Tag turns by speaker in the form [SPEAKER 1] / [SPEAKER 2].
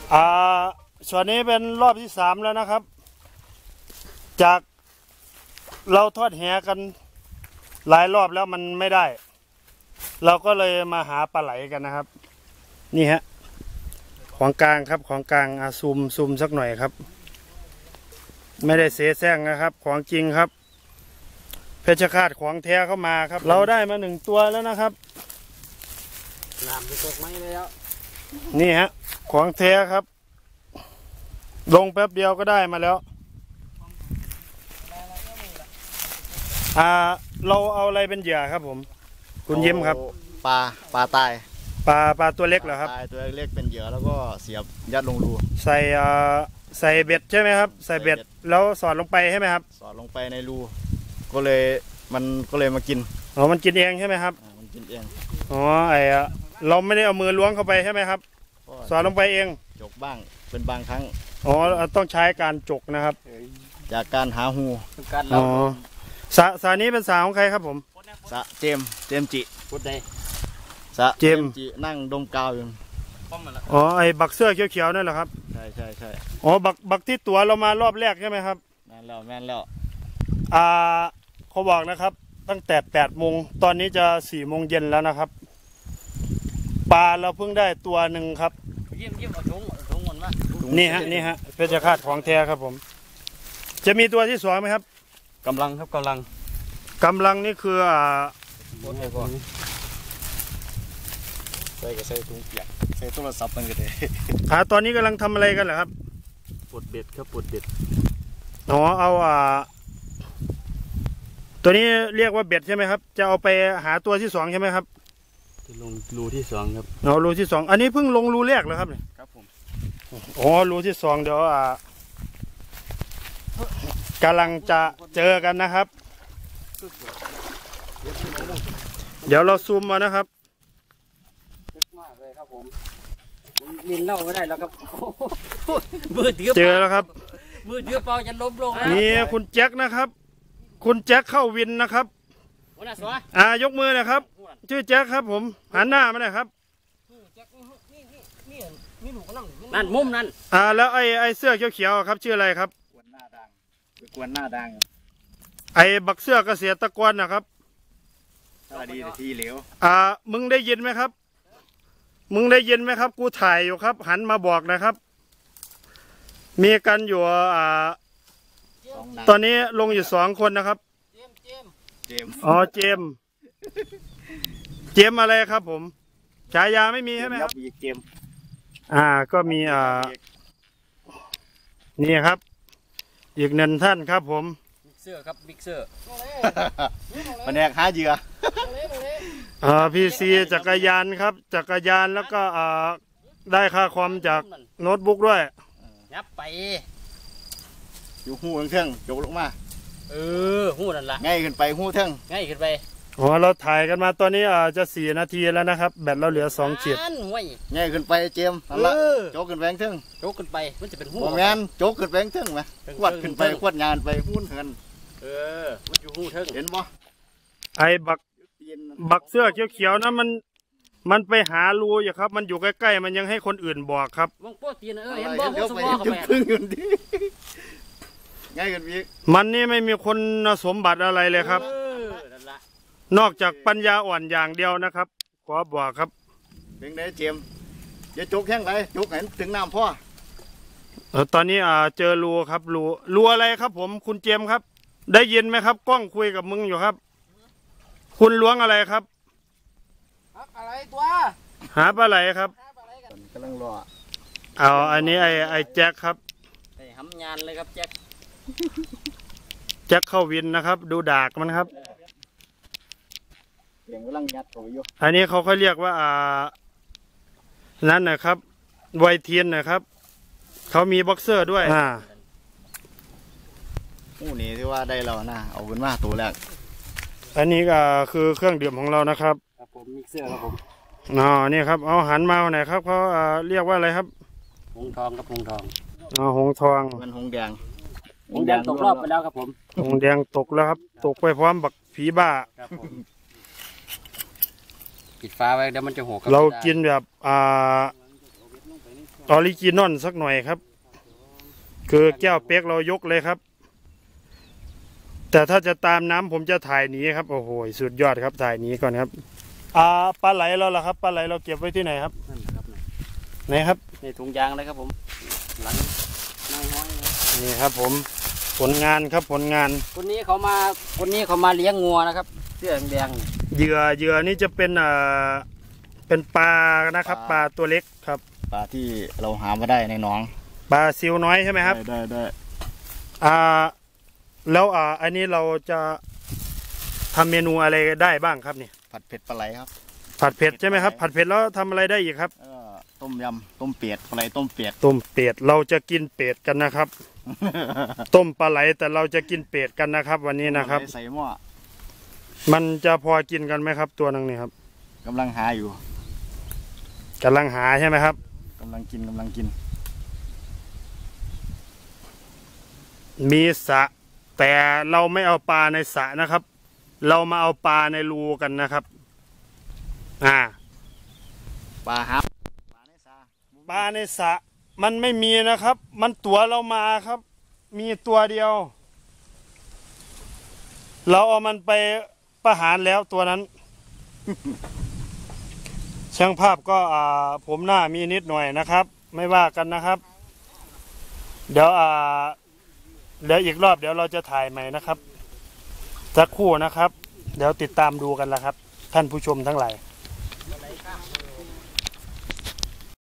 [SPEAKER 1] อ่าส่วนนี้เป็นรอบที่3แล้วนะครับจากเราทอดแหกันหลายรอบแล้วมันไม่ได้เราก็เลยมาหาปลาไหลกันนะครับนี่ฮะของกลางครับของกลางซูมสักหน่อยครับไม่ได้เสแสร้งนะครับของจริงครับเพชรฆาตของแท้เข้ามาครับเราได้มา1 ตัวแล้วนะครับ
[SPEAKER 2] น้ำจะตกไหมแล้ว
[SPEAKER 1] นี่ฮะของแท้ครับลงแป๊บเดียวก็ได้มาแล้วเราเอาอะไรเป็นเหยื่อครับผมคุณยิ้มครับ
[SPEAKER 3] ปลาตาย
[SPEAKER 1] ปลาตัวเล็กเหรอครับ
[SPEAKER 3] ตายตัวเล็กเป็นเหยื่อแล้วก็เสียบยัดลงรู
[SPEAKER 1] ใส่เบ็ดใช่ไหมครับใส่เบ็ดแล้วสอดลงไปใช่ไหมครับ
[SPEAKER 3] สอดลงไปในรูก็เลยมากิน
[SPEAKER 1] อ๋อมันกินเองใช่ไหมครับ
[SPEAKER 3] มันกินเอง
[SPEAKER 1] อ๋อเราไม่ได้เอามือล้วงเข้าไปใช่ไหมครับสอดลงไปเอง
[SPEAKER 3] จกบ้างเป็นบางครั้ง
[SPEAKER 1] อ๋อต้องใช้การจกนะครับ
[SPEAKER 3] จากการหาหู
[SPEAKER 1] อ๋อสานี้เป็นสาของใครครับผม
[SPEAKER 3] สะเจมจิ
[SPEAKER 2] พูดได้
[SPEAKER 3] สะเจมจินั่งดมกาวอยู่
[SPEAKER 1] อ๋อไอ้บักเสื้อเขียวๆนั่นเหรอครับ
[SPEAKER 3] ใช่
[SPEAKER 1] อ๋อบักที่ตัวเรามารอบแรกใช่ไหมครับ
[SPEAKER 3] แม่นแล้ว
[SPEAKER 1] เขาบอกนะครับตั้งแต่8 โมงตอนนี้จะ4 โมงเย็นแล้วนะครับปลาเราเพิ่งได้ตัวหนึ่งครับ
[SPEAKER 2] ยิ้มเอาถุงมันมา
[SPEAKER 1] นี่ฮะเพชรฆาตของแท้ครับผมจะมีตัวที่2ไหมครับ
[SPEAKER 3] กำลังครับกำ
[SPEAKER 1] ลังนี่คือ
[SPEAKER 3] ใส่ถุงเปียกใส่โทรศัพท์มันก็ได้
[SPEAKER 1] ตอนนี้กำลังทำอะไรกันเหรอครับ
[SPEAKER 3] ปลดเบ็ดครับปลดเบ็ด
[SPEAKER 1] อ๋อเอาตัวนี้เรียกว่าเบ็ดใช่ไหมครับจะเอาไปหาตัวที่2ใช่ไหมครับ
[SPEAKER 3] ลงรูที่2ครับ
[SPEAKER 1] เอารูที่2อันนี้เพิ่งลงรูแรกเหรอครับเนี่ย
[SPEAKER 3] ครับผม
[SPEAKER 1] อ๋อรูที่2เดี๋ยวกำลังจะเจอกันนะครับเดี๋ยวเราซูมมานะครับ
[SPEAKER 2] มากเลยครับผมมินเล่าไม่ได้แล้วครับ
[SPEAKER 1] เจอแล้วครับ
[SPEAKER 2] มือเดือเปล่าจะล้มลง
[SPEAKER 1] นี่คุณแจ็คนะครับคุณแจ็คเข้าวินนะครับยกมือนะครับชื่อแจ็คครับผมหันหน้ามาหน่อยครับ
[SPEAKER 2] นั่นมุมนั่น
[SPEAKER 1] แล้วไอ้เสื้อเขียวๆครับชื่ออะไรครับ
[SPEAKER 3] กวนหน้าดัง
[SPEAKER 1] ไอ้บักเสื้อเกษตรกรนะครับ
[SPEAKER 3] ดีทีเหลว
[SPEAKER 1] มึงได้ยินไหมครับกูถ่ายอยู่ครับหันมาบอกนะครับมีกันอยู่ตอนนี้ลงอยู่2 คนนะครับ
[SPEAKER 3] เจม
[SPEAKER 1] เจมอะไรครับผมฉายาไม่มีใช่ไหมครับ
[SPEAKER 3] เจม
[SPEAKER 1] ก็มีนี่ครับอีก1 ท่านครับผม
[SPEAKER 2] บิ๊กเซอร์ครับบิ๊กเซอร์
[SPEAKER 3] แผนกหาเหยื่อ
[SPEAKER 1] พีซีจักรยานครับจักรยานแล้วก็ได้ค่าคอมจากโน้ตบุ๊กด้วย
[SPEAKER 2] ยับไป
[SPEAKER 3] อยู่หูเทิงจกลงมา
[SPEAKER 2] หูนั่นละ
[SPEAKER 3] ง่ายขึ้นไปหูเทิง
[SPEAKER 2] ง่ายขึ้นไป
[SPEAKER 1] เราถ่ายกันมาตอนนี้จะ4 นาทีแล้วนะครับแบตเราเหลือ2 ขีด
[SPEAKER 3] ง่ายขึ้นไปเจมนั่นละโจกขึ้นแหวงเทิง
[SPEAKER 2] โจกขึ้นไปมันจะเป็นหู
[SPEAKER 3] แมนโจกขึ้นแหวงเทิงไหมขวดขึ้นไปขวดงานไปหุ้นเหิน
[SPEAKER 2] มันอยู่หูเทิง
[SPEAKER 3] เห็นบ่
[SPEAKER 1] ไอ้บักเสื้อเขียวๆนะมันไปหารูอยู่ครับมันอยู่ใกล้ๆมันยังให้คนอื่นบอกครับ
[SPEAKER 2] มองโป๊ะตีนเห็นบ่หูสมองเขาแม่
[SPEAKER 3] ง่ายกันพี่
[SPEAKER 1] มันนี่ไม่มีคนสมบัติอะไรเลยครับนอกจากปัญญาอ่อนอย่างเดียวนะครับขอบอกครับ
[SPEAKER 3] เป็นไงเจมจะจุกแห้งไรจุกเห็นถึงน้ำพ่อ
[SPEAKER 1] ตอนนี้เจอรูครับรูอะไรครับผมคุณเจมครับได้ยินไหมครับกล้องคุยกับมึงอยู่ครับคุณล้วงอะไรครับ
[SPEAKER 2] อะไรตัว
[SPEAKER 1] หาปลาไหลครับ
[SPEAKER 3] กำลังร
[SPEAKER 1] ออันนี้ไอ้แจ็คครับ
[SPEAKER 2] ทำงานเลยครับแ
[SPEAKER 1] จ็คเข้าวินนะครับดูดากมันครับอันนี้เขาเรียกว่านั่นนะครับไวเทียนนะครับเขามีบ็อกเซอร์ด้วย
[SPEAKER 3] นี่ที่ว่าได้เรานะเอาขึ้นมาตัวแรก
[SPEAKER 1] อันนี้ก็คือเครื่องดื่มของเรานะครับ
[SPEAKER 2] ครับผมมิกเซอร์ครับผม
[SPEAKER 1] นี่ครับเอาหันมาไหนครับเขาเรียกว่าอะไรครับ
[SPEAKER 2] หงทองครับหงทอง
[SPEAKER 1] หงทอง
[SPEAKER 3] มันหงแดง
[SPEAKER 2] ตกรอบไปแล้วครับผม
[SPEAKER 1] หงแดงตกแล้วครับตกไปพร้อมบักผีบ้า
[SPEAKER 2] ปิดฟ้าไว้เดี๋ยวมันจะหก
[SPEAKER 1] เรากินแบบออริจินอลสักหน่อยครับ คือแก้วเป๊กเรายกเลยครับ แต่ถ้าจะตามน้ำผมจะถ่ายหนีครับโอ้โหสุดยอดครับถ่ายหนีก่อนครับปลาไหลเราล่ะครับปลาไหลเราเก็บไว้ที่ไหนครับ
[SPEAKER 2] นั่นครับ
[SPEAKER 1] ไหนครับ
[SPEAKER 2] ในถุงยางเลยครับผมหลังนั่งห้อย
[SPEAKER 1] นี่ครับผมผลงานครับผลงาน
[SPEAKER 2] คนนี้เขามาเลี้ยงงัวนะครับเสื้อแดงๆ
[SPEAKER 1] เหยื่อนี่จะเป็นปลานะครับปลาตัวเล็กครับ
[SPEAKER 3] ปลาที่เราหามาได้ในหนอง
[SPEAKER 1] ปลาซิวน้อยใช่ไหมครับ
[SPEAKER 3] ได้
[SPEAKER 1] แล้วอันนี้เราจะทำเมนูอะไรได้บ้างครับเนี่ย
[SPEAKER 3] ผัดเผ็ดปลาไหลครับ
[SPEAKER 1] ผัดเผ็ดใช่ไหมครับผัดเผ็ดแล้วทำอะไรได้อีกครับ
[SPEAKER 3] ต้มยำต้มเป็ดปลาไหลต้มเป็ด
[SPEAKER 1] ต้มเป็ดเราจะกินเป็ดกันนะครับ ต้มปลาไหลแต่เราจะกินเป็ดกันนะครับ วันนี้นะครับ
[SPEAKER 3] ใส่หม้อ
[SPEAKER 1] มันจะพอกินกันไหมครับตัวนึงนี่ครับ
[SPEAKER 3] กำลังหาอยู่
[SPEAKER 1] กำลังหาใช่ไหมครับ
[SPEAKER 3] กำลังกิน
[SPEAKER 1] มีสระแต่เราไม่เอาปลาในสระนะครับ เรามาเอาปลาในรูกันนะครับ
[SPEAKER 3] ปลาหาปลาในสา
[SPEAKER 1] ปลาในสระมันไม่มีนะครับ มันตัวเรามาครับ มีตัวเดียว เราเอามันไปประหารแล้วตัวนั้น ช่างภาพก็ผมหน้ามีนิดหน่อยนะครับ ไม่ว่ากันนะครับ เดี๋ยวอีกรอบเดี๋ยวเราจะถ่ายใหม่นะครับสักครู่นะครับ เดี๋ยวติดตามดูกันละครับ ท่านผู้ชมทั้งหลาย